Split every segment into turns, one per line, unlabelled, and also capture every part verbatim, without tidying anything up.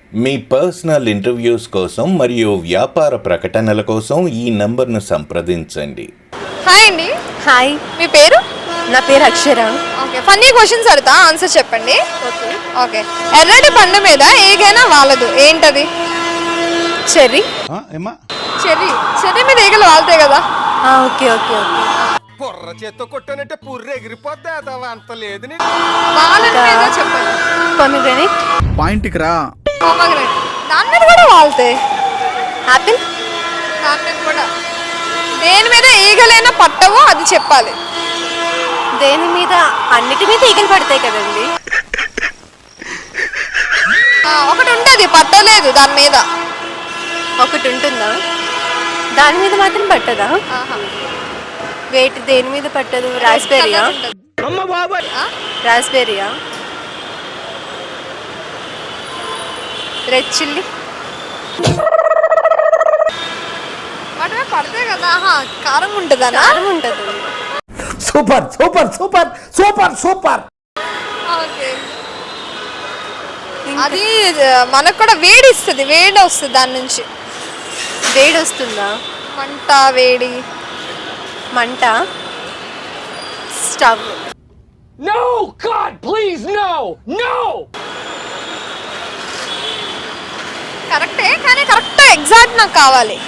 మీ personal interviews కోసం మరియు వ్యాపార ప్రకటనల కోసం ఈ నంబర్ను సంప్రదించండి.
హాయ్ అండి.
హాయ్,
మీ పేరు?
నా పేరు అక్షర.
ఓకే, ఫన్నీ క్వశ్చన్స్ అడుగుతా, ఆన్సర్ చెప్పండి.
ఓకే.
ఓకే, ఎర్రటి పండు మీద ఏగైనా వాలదు, ఏంటది?
చెర్రీ.
చెర్రీ. చెర్రీ మీద ఈగలు వాళ్తాయి కదా.
Okay okay okay.
బుర్ర చేత్తో కొట్టానంటే పుర్రె ఎగిరిపోద్ది, అంత లేదు.
వాలన్ మీద చెప్పండి.
పొమిగ్రానేట్.
పాయింట్కి రా.
పొమగ్రానేట్. దాని మీద కూడా వాళ్తాయి.
ఆపిల్.
దాని మీద కూడా. దేని మీద ఈగలైనా పట్టవో అది చెప్పాలి.
దేని మీద? అన్నిటి మీద ఈగలు పడతాయి కదండి.
ఒకటి ఉంటుంది పట్టలేదు దాని మీద.
ఒకటి ఉంటుందా? దాని మీద మాత్రం పట్టదా? వేటి దేని మీద పట్టదు? రాస్బెర్రీయా? రాస్బెర్రీయా? Red chilli.
వాటి మీద పడతాయి కదా. కారం ఉంటుందా?
కారం ఉంటుంది.
Super super super super super.
Okay, అది మనకు కూడా వేడి ఇస్తుంది, వేడి వస్తుంది దాని నుంచి.
వేడి వస్తుందా?
మంట, వేడి.
మంట. Stove.
No God please no no.
కరెక్టే, కానీ కరెక్ట్ ఎగ్జాక్ట్ నాకు కావాలి.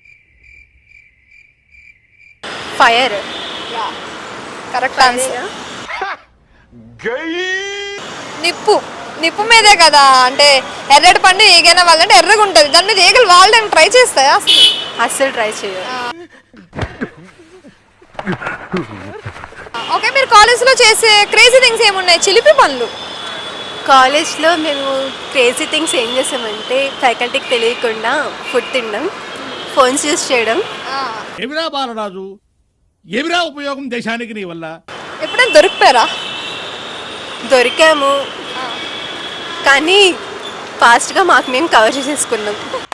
ఫైర్.
Correct answer. నిప్పు. నిప్పు మీదే కదా, అంటే ఎర్రటి పండు ఏగైనా వాళ్ళంటే ఎర్రగా ఉంటుంది, దాని మీద ఏగలు వాళ్ళని ట్రై చేస్తాయా?
అస్సలు ట్రై చేయాలి.
ఓకే, మీరు కాలేజ్లో చేసే క్రేజీ థింగ్స్ ఏమున్నాయి? చిలిపి పనులు.
కాలేజ్లో మేము క్రేజీ థింగ్స్ ఏం చేసామంటే ఫ్యాకల్టీకి తెలియకుండా ఫుడ్ తినడం, ఫోన్స్ యూజ్ చేయడం.
ఎవిరా బాలరాజు, ఎవిరా ఉపయోగం దేశానికి నీ వల్ల?
ఎప్పుడైనా దొరికిపోయారా?
దొరికాము, కానీ ఫాస్ట్గా మాకు మేము కవర్ చేసేసుకున్నాం.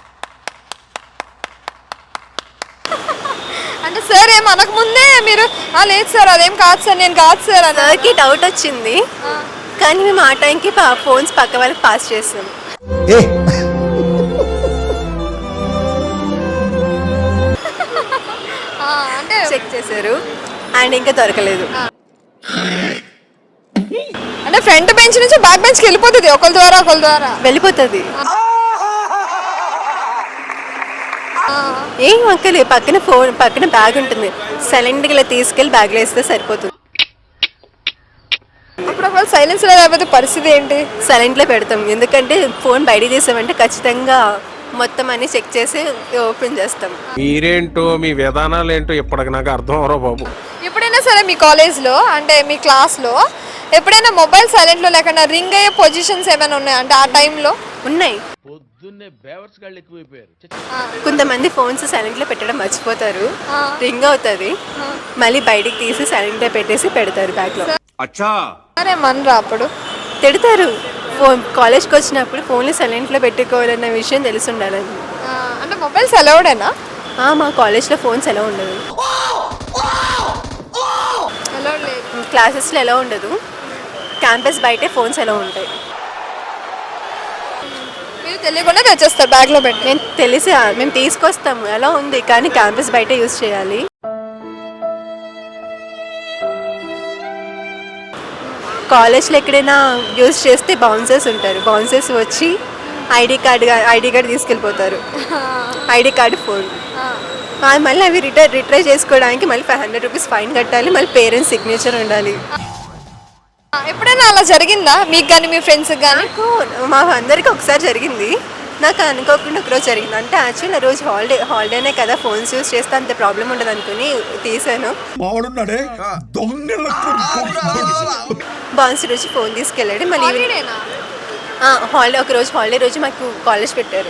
అంటే సార్ ఏం అనక ముందే మీరు లేదు సార్ అదేం కాదు సార్ నేను కాదు సార్ అని
సార్కి డౌట్ వచ్చింది, కానీ మేము ఆ టైంకి ఫోన్స్ పక్క వాళ్ళకి పాస్ చేసాం.
అంటే
చెక్ చేశారు అండ్ ఇంకా దొరకలేదు.
అంటే ఫ్రంట్ బెంచ్ నుంచి బ్యాక్ బెంచ్కి వెళ్ళిపోతుంది ఒకరి ద్వారా ఒకరి ద్వారా
వెళ్ళిపోతుంది. ఏం అక్కలే, పక్కన ఫోన్ పక్కన బ్యాగ్ ఉంటుంది, సైలెంట్గా ఇలా తీసుకెళ్ళి బ్యాగ్లో వేస్తే సరిపోతుంది.
అప్పుడు ఒకవేళ సైలెన్స్ లేకపోతే పరిస్థితి ఏంటి?
సైలెంట్లో పెడతాం, ఎందుకంటే ఫోన్ బయట తీసామంటే ఖచ్చితంగా మొత్తం అన్ని చెక్ చేసి ఓపెన్ చేస్తాం.
మీరేంటో మీ విధానాలు ఏంటో ఇప్పటికి నాకు అర్థం అవరో బాబు.
ఎప్పుడైనా సరే మీ కాలేజ్లో అంటే మీ క్లాస్లో ఎప్పుడైనా మొబైల్ సైలెంట్లో లేకుండా రింగ్ అయ్యే పొజిషన్స్ ఏమైనా ఉన్నాయా? అంటే ఆ టైంలో
ఉన్నాయి. కొంతమంది ఫోన్స్ సైలెంట్లో పెట్టడం మర్చిపోతారు, రింగ్ అవుతుంది, మళ్ళీ బయటికి తీసి సైలెంట్లో పెట్టేసి పెడతారు బ్యాగ్లో.
సరే మనరా అప్పుడు
తిడతారు. ఫోన్ కాలేజ్కి వచ్చినప్పుడు ఫోన్లు సైలెంట్లో పెట్టుకోవాలన్న విషయం తెలిసి ఉండాలని.
అంటే మొబైల్స్ అలౌడేనా?
మా కాలేజ్లో ఫోన్స్ ఎలా ఉండదు,
అలౌడ్ లేదు.
క్లాసెస్లో ఎలా ఉండదు, క్యాంపస్ బయటే ఫోన్స్ ఎలా ఉంటాయి.
మీరు తెలియకుండా తెచ్చేస్తారు బ్యాగ్లో పెట్టి?
మేము తెలిసి మేము తీసుకొస్తాము, ఎలా ఉంది, కానీ క్యాంపస్ బయట యూజ్ చేయాలి. కాలేజ్లో ఎక్కడైనా యూజ్ చేస్తే బౌన్సర్స్ ఉంటారు, బౌన్సర్స్ వచ్చి ఐడి కార్డు ఐడి కార్డు తీసుకెళ్ళిపోతారు, ఐడి కార్డు ఫోన్. మళ్ళీ అవి రిటర్న్ రిట్రై చేసుకోవడానికి మళ్ళీ ఫైవ్ హండ్రెడ్ రూపీస్ ఫైన్ కట్టాలి, మళ్ళీ పేరెంట్స్ సిగ్నేచర్ ఉండాలి.
ఎప్పుడైనా అలా జరిగిందా మీకు కానీ మీ ఫ్రెండ్స్కి కానీ?
నాకు మా అందరికీ ఒకసారి జరిగింది, నాకు అనుకోకుండా ఒకరోజు జరిగింది. అంటే యాక్చువల్లీ ఆ రోజు హాలిడే హాలిడేనే కదా, ఫోన్స్ యూజ్ చేస్తే అంత ప్రాబ్లం ఉండదు అనుకుని తీసాను. బౌన్సర్ వచ్చి ఫోన్ తీసుకెళ్ళాడు. మళ్ళీ హాలిడే ఒక రోజు హాలిడే రోజు మాకు కాలేజ్ పెట్టారు,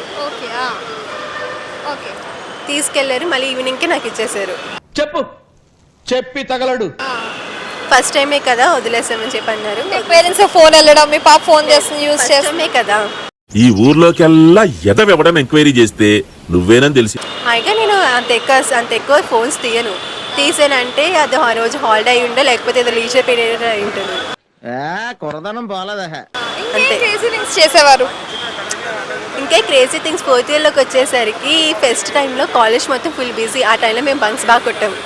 తీసుకెళ్లారు. మళ్ళీ ఈవినింగ్కి నాకు ఇచ్చేసారు.
చెప్పు చెప్పి తగలడు.
ఫస్ట్ టైమే కదా వదిలేసామని చెప్పి అన్నారు.
పేరెంట్స్ ఫోన్ వెళ్ళడం, మీ పాప ఫోన్ చేస్తుంది యూజ్ చేస్తామే
కదా.
ఈ ఊర్లోకెల్లా ఎదవెవడం ఎంక్వైరీ చేస్తే నువ్వేనని తెలిసి
అయిగా నేను అంత ఎక్కువ అంత ఎక్కువ ఫోన్స్ తీయను. తీసానంటే అది ఆ రోజు హాలిడే అయి ఉండే, లేకపోతే ఏదో లీజర్ పీరియడ్ అయి ఉంటుంది.
కొరదనం బాలేదా?
అంతే చేసేవారు.
అందుకే క్రేజీ థింగ్స్ ఫోర్త్ ఇయర్లోకి వచ్చేసరికి ఫెస్ట్ టైంలో కాలేజ్ మొత్తం ఫుల్ బిజీ. ఆ టైంలో మేము బంక్స్ బాగా కొట్టాము.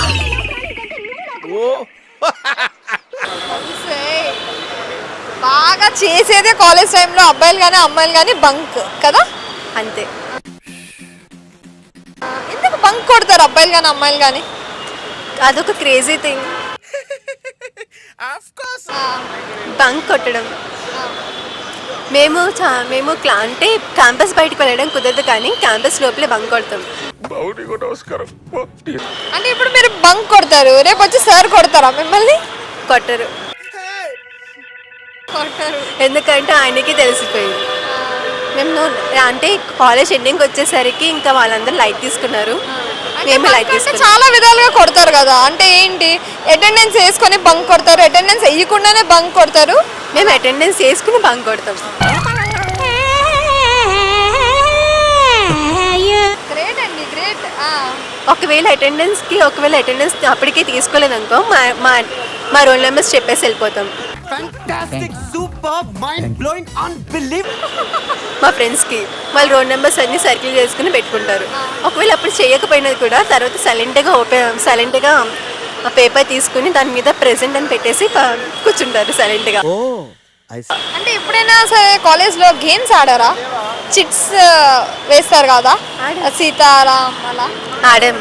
బాగా చేసేదే కాలేజ్ టైంలో అబ్బాయిలు కానీ అమ్మాయిలు కానీ బంక్ కదా.
అంతే.
ఎందుకు బంక్ కొడతారు అబ్బాయిలు కానీ అమ్మాయిలు కానీ?
అదొక క్రేజీ థింగ్ బంక్ కొట్టడం. మేము చా మేము క్లా అంటే క్యాంపస్ బయటకు వెళ్ళడం కుదరదు కానీ క్యాంపస్ లోపలే బంక్ కొడతాం.
అంటే ఇప్పుడు మీరు బంక్ కొడతారు, రేపు వచ్చి సార్ కొడతారా మిమ్మల్ని?
కొట్టరు.
కొట్టరు
ఎందుకంటే ఆయనకి తెలిసిపోయింది. మేము అంటే కాలేజ్ ఎండింగ్ వచ్చేసరికి ఇంకా వాళ్ళందరూ లైట్ తీసుకున్నారు, మేము లైట్ తీసుకున్నాం.
చాలా విధాలుగా కొడతారు కదా, అంటే ఏంటి? అటెండెన్స్ వేసుకొని బంక్ కొడతారు, అటెండెన్స్ వేయకుండానే బంక్ కొడతారు.
మేము అటెండెన్స్ వేసుకుని బంక్ కొడతాం.
గ్రేట్ అండి, గ్రేట్.
ఒకవేళ అటెండెన్స్కి ఒకవేళ అటెండెన్స్ అప్పటికే తీసుకోలేదు అనుకో మా మా మా రోల్ నెంబర్స్ చెప్పేసి వెళ్ళిపోతాం మా ఫ్రెండ్స్కి. వాళ్ళ రోల్ నెంబర్స్ అన్ని సర్కిల్ చేసుకుని పెట్టుకుంటారు. ఒకవేళ అప్పుడు చేయకపోయినది కూడా తర్వాత సైలెంట్గా ఓపెన్ సైలెంట్గా ఆ పేపర్ తీసుకుని దాని మీద ప్రెసెంట్ అని పెట్టేసి ప- కూర్చుంటారు సైలెంట్గా.
అంటే ఎప్పుడైనా సరే కాలేజ్లో గేమ్స్ ఆడారా? చిట్స్ వేస్తారు కదా, సీతారాం అలా
ఆడాం.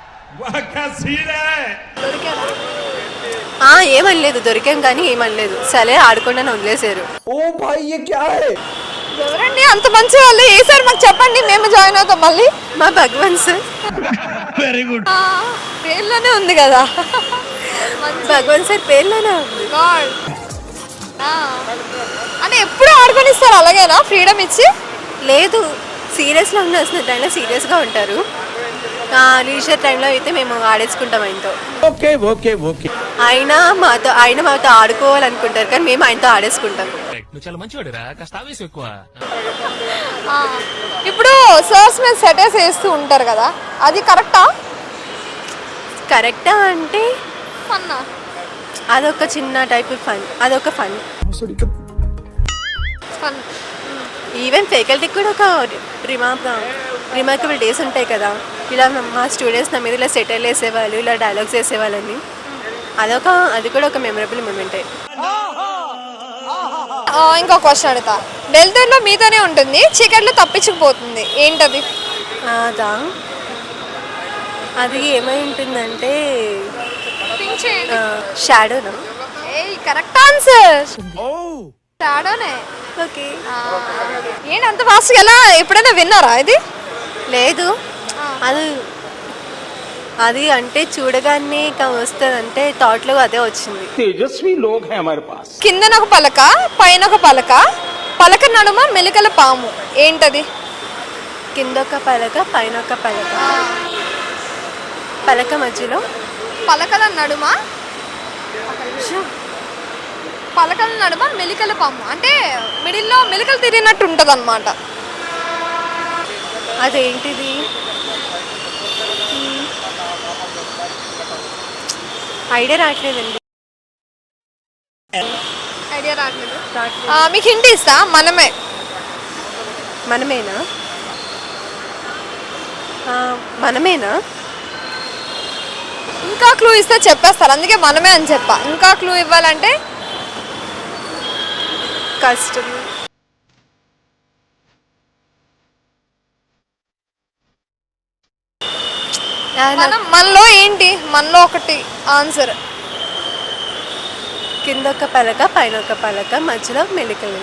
ఆ, ఏమనలేదు, దొరికాం కానీ ఏమనలేదు. సరే ఆడకుండా వదిలేశారు.
ఎవరండి అంత మంచి వాళ్ళు? ఏ సార్ మాకు చెప్పండి, మేము జాయిన్ అవుతాం మళ్ళీ.
మా భగవాన్ సార్.
Very good.
పేర్లోనే ఉంది కదా.
భగవాన్ సార్ పేర్లోనే ఉంది.
God. ఆ. అంటే ఎప్పుడు ఆడుకొని ఇస్తారు అలాగేనా, ఫ్రీడమ్ ఇచ్చి?
లేదు, సీరియస్లో ఉండాల్సిన టైంలో సీరియస్గా ఉంటారు. లీజర్ టైంలో అయితే మేము ఆడేసుకుంటాం ఆయనతో.
ఓకే ఓకే ఓకే
ఆయన మాతో ఆయన మాతో ఆడుకోవాలనుకుంటారు కానీ మేము ఆయనతో ఆడేసుకుంటాం.
నువ్వు చాలా మంచివాడురా, కాస్త ఆవేశం ఎక్కువ.
ఆ. ఇప్పుడు సర్స్ మీద సెటర్స్ వేస్తూ ఉంటారు కదా, అది కరెక్టా?
కరెక్టా అంటే
ఫన్నా?
అదొక చిన్న టైప్ ఫన్, అదొక ఫన్.
ఫన్.
ఈవెన్ ఫ్యాకల్టీకి కూడా ఒక రిమార్క్ రిమార్కబుల్ డేస్ ఉంటాయి కదా, ఇలా మా స్టూడెంట్స్ నా మీద ఇలా సెటిల్ వేసేవాళ్ళు, ఇలా డైలాగ్స్ వేసేవాళ్ళని. అదొక అది కూడా ఒక మెమరబుల్ మూమెంటే.
ఇంకో క్వశ్చన్ అడుగుతా. డెల్టర్లో మీతోనే ఉంటుంది, చీకట్లో తప్పించుకుపోతుంది, ఏంటది?
అదా అది ఏమై ఉంటుందంటే షాడోనా?
Correct answer. షాడోనే.
ఓకే.
ఏంటి అంత ఫాస్ట్గా? ఎలా ఎప్పుడైనా విన్నారా ఇది?
లేదు, అది అది అంటే చూడగానే వస్తుంది అంటే థాట్లో అదే వచ్చింది.
तेजस्वी लोग हैं हमारे पास.
కిందన ఒక పలక, పైన ఒక పలక, పలక నడుమ మెలికల పాము, ఏంటది?
కింద ఒక పలక పైన ఒక పలక, పలక మధ్యలో
పలకల నడుమ ఒక నిమిషం. పలకల నడుమ మెలికల పాము అంటే మిడిల్లో మెలికలు తిరిగినట్టు ఉంటుంది అనమాట.
అదేంటిది? ఐడియా రావట్లేదండి.
ఐడియా రావట్లేదు. మీకు హింట్ ఇస్తా, మనమే.
మనమేనా? ఆ, మనమేనా?
ఇంకా క్లూ ఇస్తే చెప్పేస్తారు, అందుకే మనమే అని చెప్పా. ఇంకా క్లూ ఇవ్వాలంటే
కష్టం.
మనం మనలో ఏంటి, మనలో ఒకటి ఆన్సర్.
కింద ఒక పలక పైన ఒక పలక మధ్యలో మెలికలు.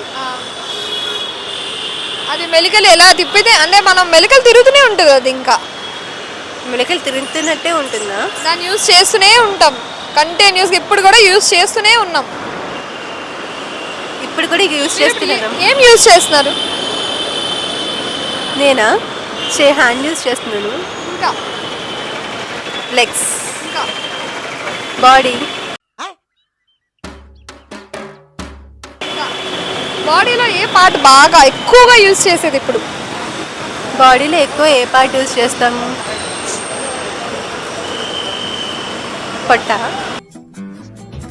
అది మెలికలు ఎలా తిప్పితే అంటే మనం మెలికలు తిరుగుతూనే ఉంటుంది, అది ఇంకా
మెలికలు తిరుగుతున్నట్టే ఉంటుందా?
దాన్ని యూజ్ చేస్తూనే ఉంటాం కంటిన్యూస్గా. ఇప్పుడు కూడా యూజ్ చేస్తూనే ఉన్నాం.
ఇప్పుడు కూడా యూజ్ చేస్తున్నాను.
ఏం యూజ్ చేస్తున్నారు?
నేనా చే హ్యాండ్ యూజ్ చేస్తున్నాను.
ఇంకా
లెగ్స్,
ఇంకా
బాడీ.
బాడీలో ఏ పార్ట్ బాగా ఎక్కువగా యూజ్ చేసేది ఇప్పుడు?
బాడీలో ఎక్కువ ఏ పార్ట్ యూజ్ చేస్తాము? పొట్ట.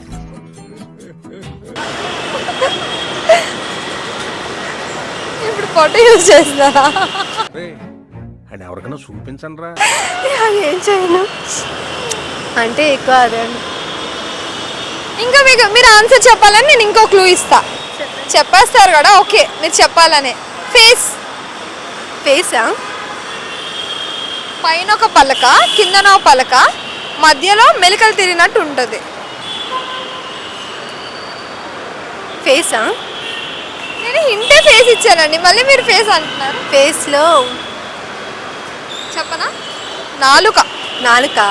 ఇప్పుడు ఫోటో యూజ్ చేస్తారా?
అని ఎవరికైనా చూపించండి రా.
అది ఏం చేయను అంటే ఎక్కువ అదే
ఇంకా మీకు మీరు ఆన్సర్ చెప్పాలని నేను ఇంకో క్లూ ఇస్తా. చెప్పేస్తారు కదా, ఓకే మీరు చెప్పాలనే. ఫేస్.
ఫేసా?
పైన ఒక పలక, కిందన ఒక పలక, మధ్యలో మెలికలు తిరిగినట్టు ఉంటుంది.
ఫేసా?
నేను హింటే ఫేస్ ఇచ్చానండి, మళ్ళీ మీరు ఫేస్ అంటున్నారు.
ఫేస్లో
చెప్పనా? నాలుక.
నాలుక.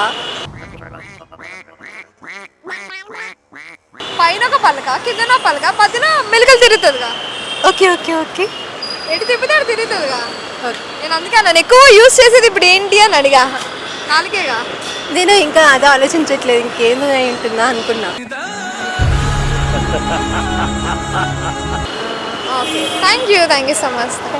పైన ఒక పలక, కిందన ఒక పలక, మధ్యన మెలికలు తిరుగుతుందిగా.
ఓకే ఓకే ఓకే
ఎటు తిప్పితే అటు తిరుగుతుందిగా.
ఓకే.
నేను అందుకే నన్ను ఎక్కువ యూజ్ చేసేది ఇప్పుడు ఏంటి అని అడిగా. నాలుకేగా.
నేను ఇంకా అదే ఆలోచించట్లేదు, ఇంకేందో అయి ఉంటుందా అనుకున్నా.
Okay, thank you thank you so much.